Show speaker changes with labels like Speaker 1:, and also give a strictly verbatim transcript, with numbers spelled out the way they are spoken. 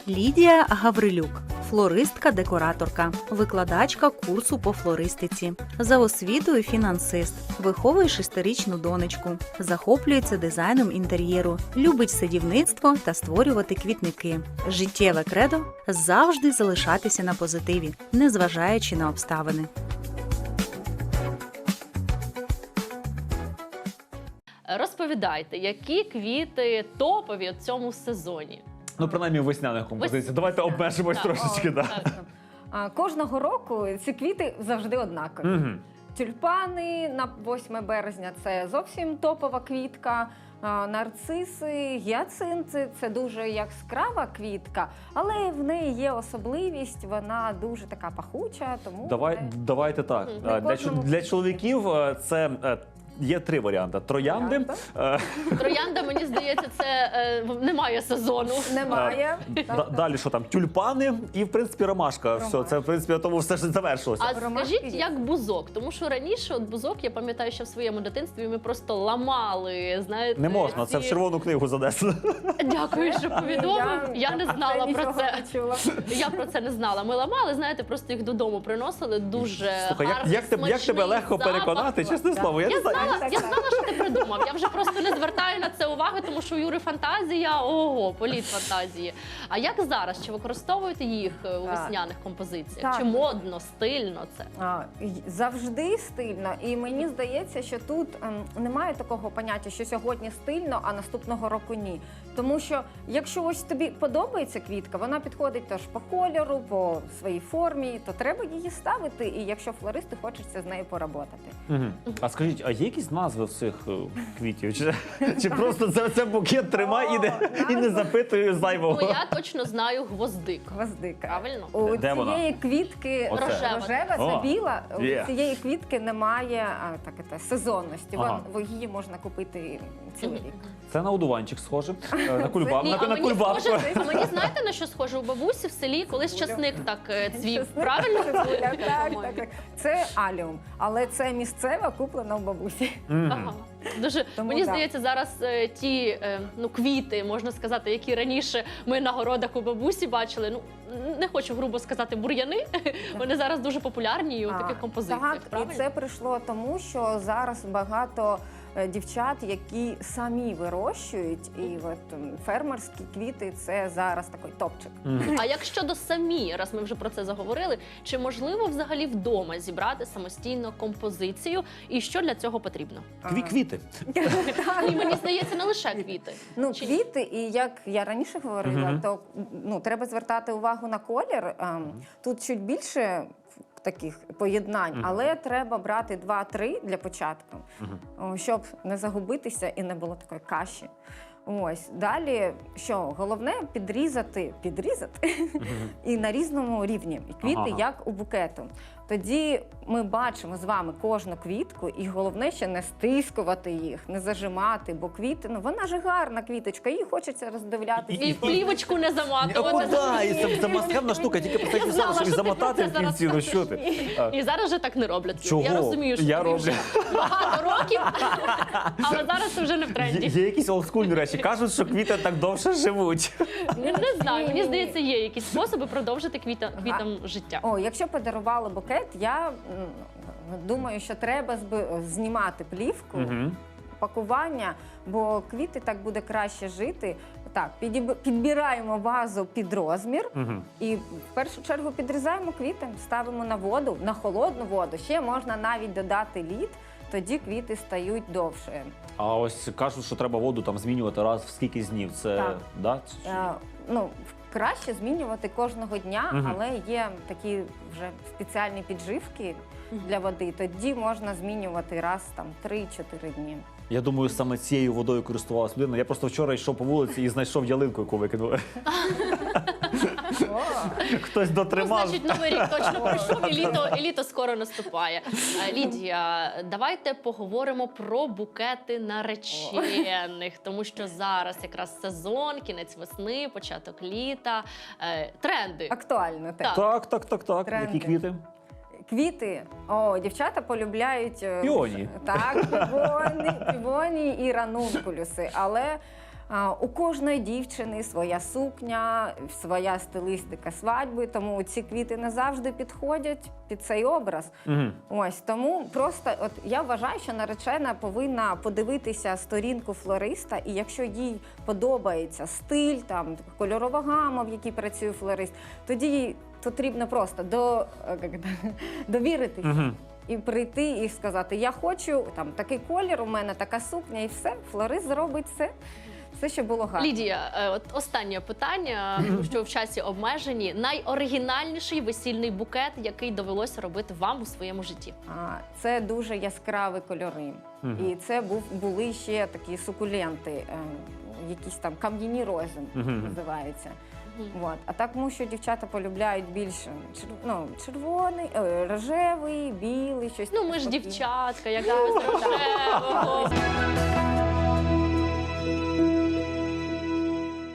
Speaker 1: Лідія Гаврилюк – флористка-декораторка, викладачка курсу по флористиці. За освітою фінансист, виховує шестирічну донечку, захоплюється дизайном інтер'єру, любить садівництво та створювати квітники. Життєве кредо – завжди залишатися на позитиві, незважаючи на обставини.
Speaker 2: Розповідайте, які квіти топові у цьому сезоні?
Speaker 3: Ну, принаймні, весняних композицій. Давайте обмежимось
Speaker 2: Так.
Speaker 3: трошечки, так.
Speaker 2: Так.
Speaker 4: А, Кожного року ці квіти завжди однакові.
Speaker 3: Угу.
Speaker 4: Тюльпани на восьме березня – це зовсім топова квітка. А, Нарциси, гіацинти – це дуже яскрава квітка, але в неї є особливість, вона дуже така пахуча, тому…
Speaker 3: Давай,
Speaker 4: це-
Speaker 3: давайте так.
Speaker 2: Мгм.
Speaker 3: Для,
Speaker 4: кожному-
Speaker 3: для чоловіків е, це е, є три варіанти. Троянди,
Speaker 4: Троянда.
Speaker 3: е,
Speaker 2: Троянда, мені здається, це е, немає сезону.
Speaker 4: Немає.
Speaker 3: да-
Speaker 4: Так,
Speaker 3: далі що там? Тюльпани і, в принципі, ромашка. Все,
Speaker 4: Ромашка.
Speaker 3: це, в принципі, на тому все ж завершилося.
Speaker 2: А
Speaker 4: Ромашки
Speaker 2: скажіть,
Speaker 4: є.
Speaker 2: як бузок? Тому що раніше от бузок, я пам'ятаю, що в своєму дитинстві ми просто ламали, знаєте.
Speaker 3: Не можна,
Speaker 2: ці-
Speaker 3: це в червону книгу занесено.
Speaker 2: Дякую, що повідомив. Я не знала про
Speaker 4: нічого
Speaker 2: це.
Speaker 4: не чула.
Speaker 2: Я про це не знала. Ми ламали, знаєте, просто їх додому приносили. Дуже
Speaker 3: Слухай, як,
Speaker 2: гарний,
Speaker 3: як, тебе, як тебе
Speaker 2: смачний
Speaker 3: легко
Speaker 2: запах.
Speaker 3: переконати, чесне
Speaker 4: Да.
Speaker 3: слово. Я,
Speaker 2: Я
Speaker 3: не знаю.
Speaker 2: знала, я знала, що ти придумав. Я вже просто не звертаю на це уваги, тому що у Юри фантазія, ого, політ фантазії. А як зараз? Чи використовуєте їх е, у
Speaker 4: Так.
Speaker 2: весняних композиціях?
Speaker 4: Так.
Speaker 2: Чи модно, стильно це?
Speaker 4: А, й- Завжди стильно, і мені здається, що тут ем, немає такого поняття, що сьогодні стильно, а наступного року ні. Тому що якщо ось тобі подобається квітка, вона підходить теж по кольору, по своїй формі, то треба її ставити. І якщо флористи хочеться з нею поработати.
Speaker 3: Мгм. А скажіть, а є якісь назви в цих е, квітів? Чи, чи просто це, це букет тримай і не, і не запитує зайвого?
Speaker 2: Ну я точно знаю гвоздик.
Speaker 4: Гвоздика.
Speaker 2: Правильно?
Speaker 4: У
Speaker 3: Де вона?
Speaker 4: цієї квітки
Speaker 3: Оце.
Speaker 2: Рожева.
Speaker 4: рожева,
Speaker 3: О,
Speaker 4: це біла. У
Speaker 3: є.
Speaker 4: цієї квітки немає а, так, це, сезонності.
Speaker 3: Ага.
Speaker 4: Вон, її можна купити цілий рік.
Speaker 3: Це на одуванчик схоже, е, на кульбаб,
Speaker 2: Ні,
Speaker 3: на,
Speaker 2: а
Speaker 3: на
Speaker 2: мені
Speaker 3: кульбабку.
Speaker 2: схоже, а мені знаєте на що схоже? У бабусі в селі колись часник так е, цвів.
Speaker 4: Чесник.
Speaker 2: Правильно?
Speaker 4: Так, так, так, так. Це аліум, але це місцева, куплена в бабусі.
Speaker 3: Мгм.
Speaker 2: Ага. Дуже
Speaker 4: Тому
Speaker 2: мені
Speaker 4: да.
Speaker 2: здається, зараз е, ті е, ну квіти, можна сказати, які раніше ми на городах у бабусі бачили. Ну не хочу грубо сказати бур'яни. Вони зараз дуже популярні і у
Speaker 4: А,
Speaker 2: таких композиціях.
Speaker 4: Так,
Speaker 2: Правильно?
Speaker 4: і це прийшло тому, що зараз багато е, дівчат, які самі вирощують, і от м, фермерські квіти це зараз такий топчик.
Speaker 3: Мгм.
Speaker 2: А як щодо самі, раз ми вже про це заговорили, чи можливо взагалі вдома зібрати самостійно композицію, і що для цього потрібно?
Speaker 3: Кві квіти.
Speaker 2: І мені здається, не лише квіти.
Speaker 4: Ну,
Speaker 2: Чи-
Speaker 4: квіти, і як я раніше говорила,
Speaker 3: Мгм.
Speaker 4: то ну, треба звертати увагу на колір. Ем, Тут чуть більше таких поєднань,
Speaker 3: Мгм.
Speaker 4: але треба брати два-три для початку,
Speaker 3: Мгм.
Speaker 4: о, щоб не загубитися і не було такої каші. Ось далі, що головне підрізати, підрізати і на різному рівні. І квіти,
Speaker 3: Ага.
Speaker 4: як у букету. Тоді ми бачимо з вами кожну квітку, і головне ще не стискувати їх, не зажимати, бо квіти, ну вона ж гарна квіточка, її хочеться роздивлятися.
Speaker 2: І в плівочку не
Speaker 3: О,
Speaker 2: заматувати.
Speaker 3: да, і це, це мастхевна штука, тільки про
Speaker 2: Я знала,
Speaker 3: що і
Speaker 2: що ти
Speaker 3: замотати
Speaker 2: про
Speaker 3: в
Speaker 2: це
Speaker 3: кінці, ну
Speaker 2: зараз
Speaker 3: що ти? А,
Speaker 2: І зараз вже так не роблять.
Speaker 3: Чого?
Speaker 2: Я розумію, що
Speaker 3: Я
Speaker 2: тобі
Speaker 3: роблю.
Speaker 2: вже багато років, але зараз це вже не в
Speaker 3: Є,
Speaker 2: тренді.
Speaker 3: є якісь олдскульні речі. Кажуть, що квіти так довше живуть.
Speaker 2: Не, не знаю, мені
Speaker 4: Ні-ні-ні.
Speaker 2: здається, є якісь способи продовжити квіта, квітам життя.
Speaker 4: О, якщо подарували букет, я м, думаю, що треба зби- знімати плівку,
Speaker 3: Мгм.
Speaker 4: пакування, бо квіти так буде краще жити. Так, підіб- підбираємо вазу під розмір.
Speaker 3: Мгм.
Speaker 4: І в першу чергу підрізаємо квіти, ставимо на воду, на холодну воду. Ще можна навіть додати лід, тоді квіти стають довше.
Speaker 3: А ось кажуть, що треба воду там змінювати раз в скільки днів. Це
Speaker 4: Так.
Speaker 3: да?
Speaker 4: Е, ну, краще змінювати кожного дня,
Speaker 3: Мгм.
Speaker 4: але є такі вже спеціальні підживки для води. Тоді можна змінювати раз там три-чотири дні.
Speaker 3: Я думаю, саме цією водою користувалась людина. Я просто вчора йшов по вулиці і знайшов ялинку, яку викинули.
Speaker 4: О,
Speaker 3: Хтось
Speaker 2: Ну,
Speaker 3: дотримав.
Speaker 2: значить, новий рік точно пройшов, і літо, і літо скоро наступає. Е, Лідія, давайте поговоримо про букети наречених, тому що зараз якраз сезон, кінець весни, початок літа, е, тренди.
Speaker 4: актуально те.
Speaker 2: Так.
Speaker 3: Так, так, так, так.
Speaker 4: Тренди.
Speaker 3: Які квіти?
Speaker 4: Квіти. О, дівчата полюбляють е,
Speaker 3: Піонії.
Speaker 4: Так, півоні, півоні і ранункулюси. Але А, У кожної дівчини своя сукня, своя стилістика свадьби, тому ці квіти не завжди підходять під цей образ.
Speaker 3: Угу.
Speaker 4: Ось тому просто от я вважаю, що наречена повинна подивитися сторінку флориста, і якщо їй подобається стиль, там кольорова гама, в якій працює флорист, тоді їй потрібно просто до, е, як це, довіритися.
Speaker 3: Угу.
Speaker 4: І прийти і сказати, я хочу там такий колір, у мене така сукня, і все, флорист зробить все, все, що було гарно.
Speaker 2: Лідія, е, от останнє питання, тому що в часі обмежені. Найоригінальніший весільний букет, який довелося робити вам у своєму житті?
Speaker 4: А, Це дуже яскраві кольори.
Speaker 3: Мгм.
Speaker 4: І це був, були ще такі сукуленти, е, якісь там кам'яні рози
Speaker 3: Мгм.
Speaker 4: називаються.
Speaker 2: Мгм.
Speaker 4: От. А так, тому що дівчата полюбляють більше чер... ну, червоний, е, рожевий, білий, щось
Speaker 2: Ну,
Speaker 4: таке
Speaker 2: ми ж
Speaker 4: спокійне.
Speaker 2: дівчатка, як без рожевого.